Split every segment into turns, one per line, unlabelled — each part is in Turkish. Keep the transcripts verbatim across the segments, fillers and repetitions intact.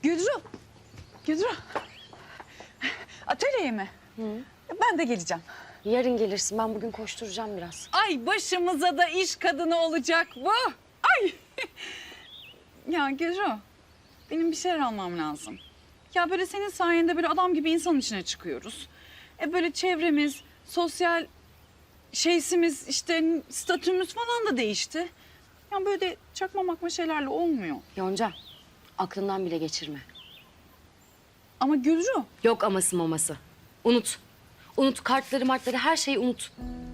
Gülru. Gülru. Atölyeye mi?
Hı.
Ben de geleceğim.
Yarın gelirsin. Ben bugün koşturacağım biraz.
Ay başımıza da iş kadını olacak bu. Ay. Ya Gülru, benim bir şeyler almam lazım. Ya böyle senin sayende böyle adam gibi insanın içine çıkıyoruz. E böyle çevremiz, sosyal şeysimiz, işte statümüz falan da değişti. Ya böyle de çakma makma şeylerle olmuyor.
Yonca, aklından bile geçirme.
Ama Gülru.
Yok aması maması. Unut. Unut kartları martları her şeyi unut.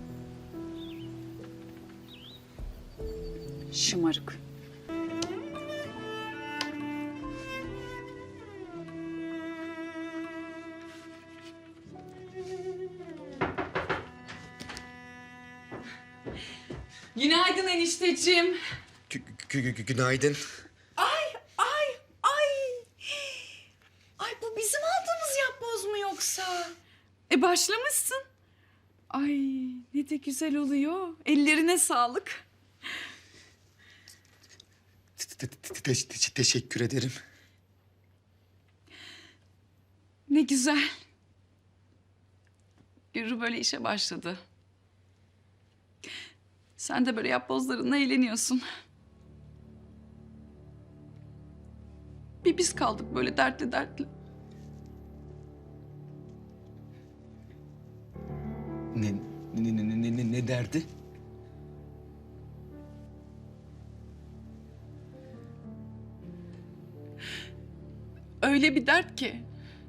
Şımarık. Günaydın enişteciğim.
Gü gü gü günaydın.
Ay, ay, ay. Ay bu bizim aldığımız yapboz mu yoksa? E başlamışsın. Ay ne de güzel oluyor. Ellerine sağlık.
Te- te- te- te- Teşekkür ederim.
Ne güzel. Gürü böyle işe başladı. Sen de böyle yapbozlarınla eğleniyorsun. Bir biz kaldık böyle dertli dertli.
Ne ne ne ne ne, ne derdi?
Öyle bir dert ki.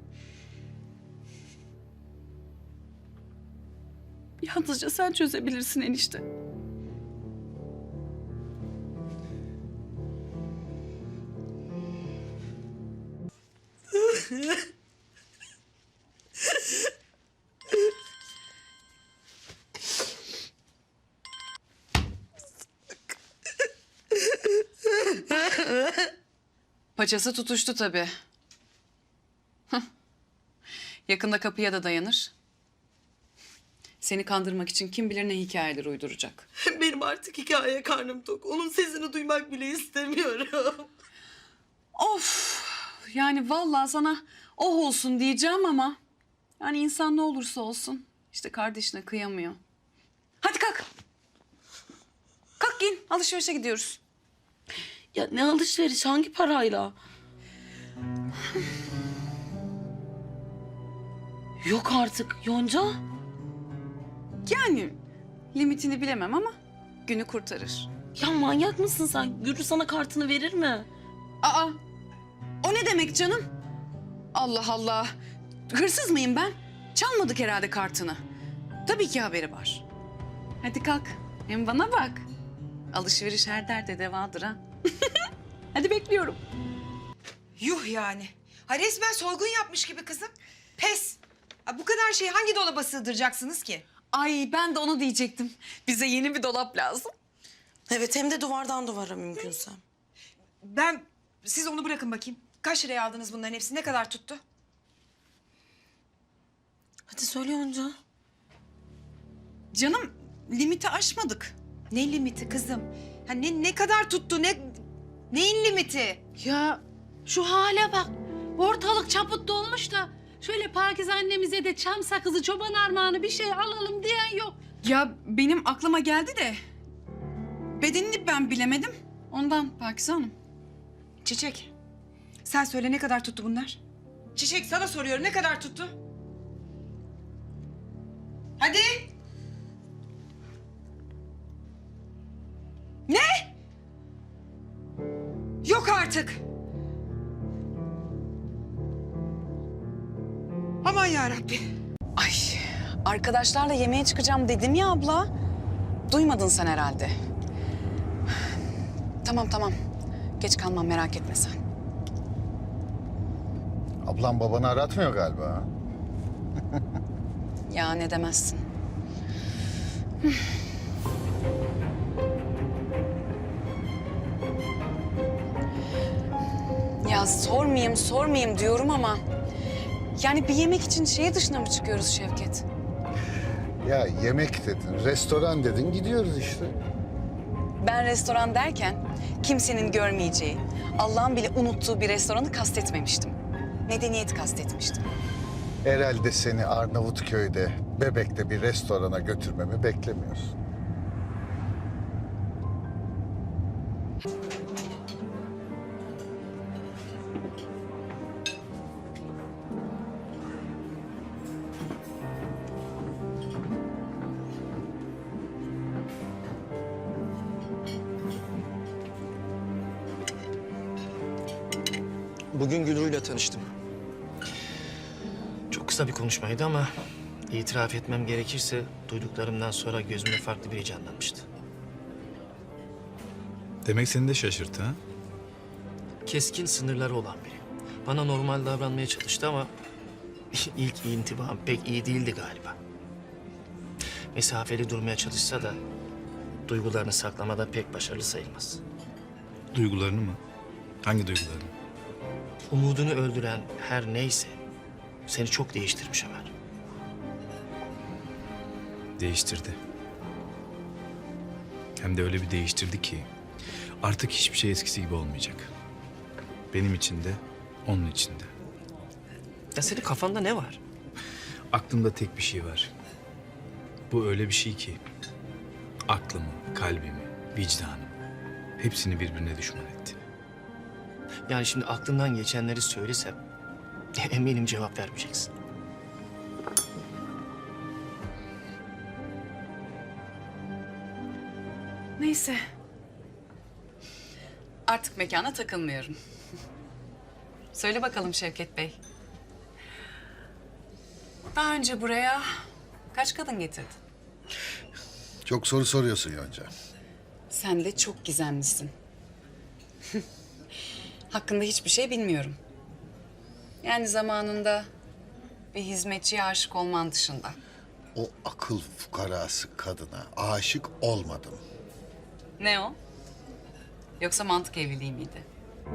Yalnızca sen çözebilirsin enişte. Paçası tutuştu tabii. Hah. Yakında kapıya da dayanır. Seni kandırmak için kim bilir ne hikayeler uyduracak.
Benim artık hikaye karnım tok. Onun sesini duymak bile istemiyorum.
Of! Yani vallahi sana oh olsun diyeceğim ama... yani insan ne olursa olsun işte kardeşine kıyamıyor. Hadi kalk. Kalk giyin. Alışverişe gidiyoruz.
Ya ne alışveriş, hangi parayla? Yok artık Yonca.
Yani limitini bilemem ama günü kurtarır.
Ya manyak mısın sen? Gürü sana kartını verir mi?
Aa! O ne demek canım? Allah Allah! Hırsız mıyım ben? Çalmadık herhalde kartını. Tabii ki haberi var. Hadi kalk. Hem bana bak. Alışveriş her derde devadır ha. Hadi bekliyorum.
Yuh yani. Ha resmen soygun yapmış gibi kızım. Pes. Ha, bu kadar şeyi hangi dolaba sığdıracaksınız ki?
Ay ben de onu diyecektim. Bize yeni bir dolap lazım.
Evet, hem de duvardan duvara mümkünse.
Ben, siz onu bırakın bakayım. Kaç liraya aldınız bunların hepsini? Ne kadar tuttu?
Hadi söyle Yonca.
Canım limiti aşmadık.
Ne limiti kızım? Ha ne, ne kadar tuttu? Ne, neyin limiti?
Ya şu hale bak. Ortalık çaput dolmuş da şöyle Pakize annemize de çam sakızı, çoban armağanı bir şey alalım diyen yok.
Ya benim aklıma geldi de bedenini ben bilemedim. Ondan Pakize Hanım.
Çiçek, sen söyle ne kadar tuttu bunlar? Çiçek sana soruyorum ne kadar tuttu? Hadi. Ne? Yok artık. Aman yarabbi.
Ay arkadaşlarla yemeğe çıkacağım dedim ya abla. Duymadın sen herhalde. Tamam tamam. Geç kalmam merak etme sen.
Ablam babanı aratmıyor galiba. Ha?
Ya ne demezsin. Ya sormayayım sormayayım diyorum ama... yani bir yemek için şehir dışına mı çıkıyoruz Şevket?
Ya yemek dedin, restoran dedin, gidiyoruz işte.
Ben restoran derken kimsenin görmeyeceği, Allah'ın bile unuttuğu bir restoranı kastetmemiştim. Medeniyet kastetmiştim.
Herhalde seni Arnavutköy'de, Bebek'te bir restorana götürmemi beklemiyorsun.
Bugün Gülru'yla tanıştım. Çok kısa bir konuşmaydı ama itiraf etmem gerekirse duyduklarımdan sonra gözümde farklı biri canlanmıştı.
Demek seni de şaşırttı ha?
Keskin sınırları olan biri. Bana normal davranmaya çalıştı ama ilk intibam pek iyi değildi galiba. Mesafeli durmaya çalışsa da duygularını saklamada pek başarılı sayılmaz.
Duygularını mı? Hangi duygularını?
Umudunu öldüren her neyse seni çok değiştirmiş Ömer.
Değiştirdi. Hem de öyle bir değiştirdi ki artık hiçbir şey eskisi gibi olmayacak. Benim için de, onun için de.
Ya senin kafanda ne var?
Aklımda tek bir şey var. Bu öyle bir şey ki aklımı, kalbimi, vicdanımı hepsini birbirine düşman etti.
Yani şimdi aklından geçenleri söylesem eminim cevap vermeyeceksin.
Neyse. Artık mekana takılmıyorum. Söyle bakalım Şevket Bey. Daha önce buraya kaç kadın getirdin?
Çok soru soruyorsun Yonca.
Sen de çok gizemlisin. Hakkında hiçbir şey bilmiyorum. Yani zamanında bir hizmetçiye aşık olman dışında.
O akıl fukarası kadına aşık olmadım.
Ne o? Yoksa mantık evliliği miydi?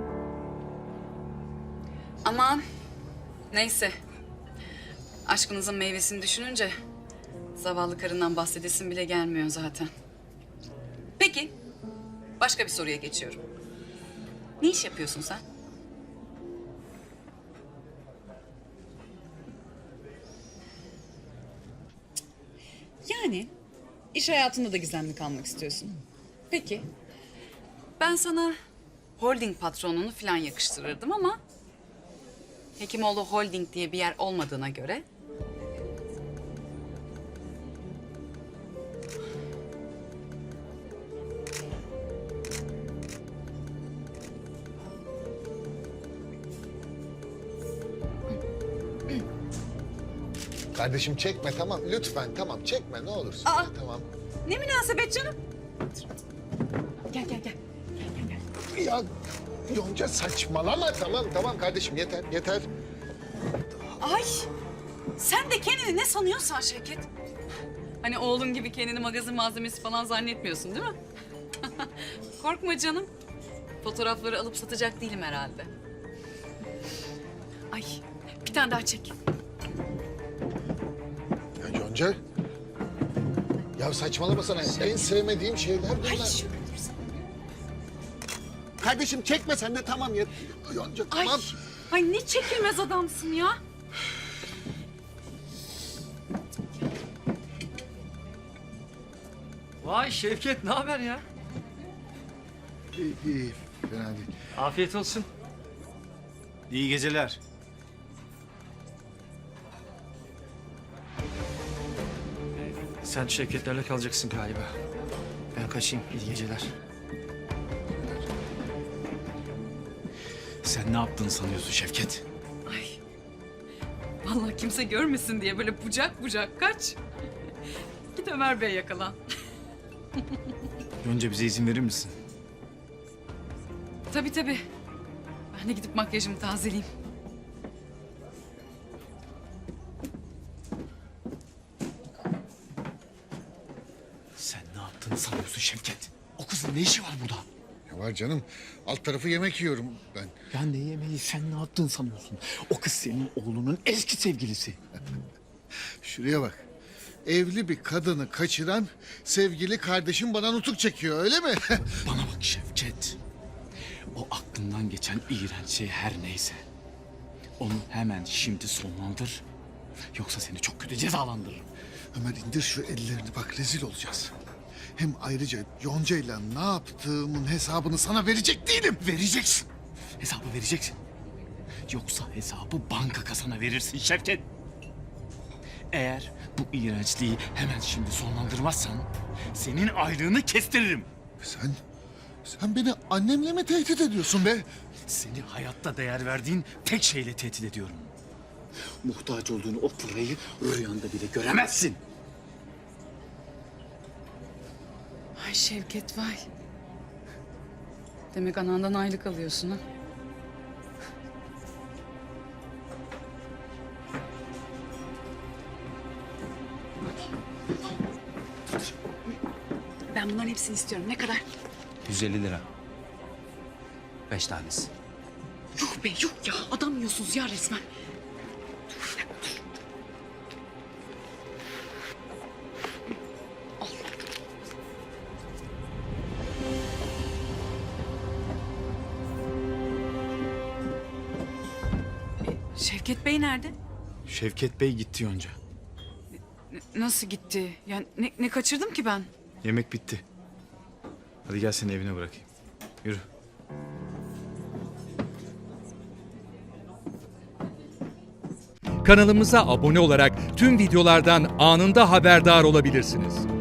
Aman neyse. Aşkınızın meyvesini düşününce zavallı karından bahsedesin bile gelmiyor zaten. Peki başka bir soruya geçiyorum. Ne iş yapıyorsun sen? Yani iş hayatında da gizemli kalmak istiyorsun. Peki. Ben sana holding patronunu falan yakıştırırdım ama Hekimoğlu Holding diye bir yer olmadığına göre
Kardeşim çekme tamam lütfen tamam çekme ne olursun.
Aa!
Tamam.
ne münasebet canım? Gel gel gel.
Ya Yonca saçmalama tamam tamam kardeşim yeter yeter.
Ay sen de kendini ne sanıyorsan Şevket. Hani oğlum gibi kendini magazin malzemesi falan zannetmiyorsun değil mi? Korkma canım. Fotoğrafları alıp satacak değilim herhalde. Ay bir tane daha çek.
Ya Yonca. Ya saçmalama sana en sevmediğim şeyler bunlar.
Ay şöyle dursun.
Kardeşim çekme sen de tamam ya. Yonca
Ay,
tamam.
ay ne çekilmez adamsın ya.
Vay Şevket ne haber ya?
İyi, iyi fena değil.
Afiyet olsun.
İyi geceler.
Sen Şevketlerle kalacaksın galiba. Ben kaçayım. İyi geceler.
Sen ne yaptığını sanıyorsun Şevket?
Ay. Vallahi kimse görmesin diye böyle bucak bucak kaç. Git Ömer Bey yakalan.
Önce bize izin verir misin?
Tabii tabii. Ben de gidip makyajımı tazeleyeyim.
Sen ne yaptığını sanıyorsun Şevket? O kızın ne işi var burada?
Ya var canım alt tarafı yemek yiyorum ben.
Ya ne yemeği sen ne yaptığını sanıyorsun? O kız senin oğlunun eski sevgilisi.
Şuraya bak. Evli bir kadını kaçıran sevgili kardeşim bana nutuk çekiyor öyle mi?
Bana bak Şevket. aklından geçen iğrenç şey her neyse. Onu hemen şimdi sonlandır. Yoksa seni çok kötü cezalandırırım.
Ömer indir şu ellerini bak rezil olacağız. Hem ayrıca Yonca'yla ne yaptığımın hesabını sana verecek değilim.
Vereceksin. Hesabı vereceksin. Yoksa hesabı banka kasana verirsin Şevket. Eğer bu iğrençliği hemen şimdi sonlandırmazsan senin aylığını kestiririm.
Sen, sen beni annemle mi tehdit ediyorsun be?
Seni hayatta değer verdiğin tek şeyle tehdit ediyorum. Muhtaç olduğunu o parayı rüyanda bile göremezsin.
Ay Şevket vay. Demek anandan aylık alıyorsun ha? Ben bunların hepsini istiyorum. Ne kadar?
yüz elli lira. Beş tanesi.
Yuh be yuh ya. Adam yiyorsunuz ya resmen. Dur, bir dakika, dur. Al. E, Şevket Bey nerede?
Şevket Bey gitti Yonca.
N- nasıl gitti? Yani ne, ne kaçırdım ki ben?
Yemek bitti. Hadi gel seni evine bırakayım. Yürü.
Kanalımıza abone olarak tüm videolardan anında haberdar olabilirsiniz.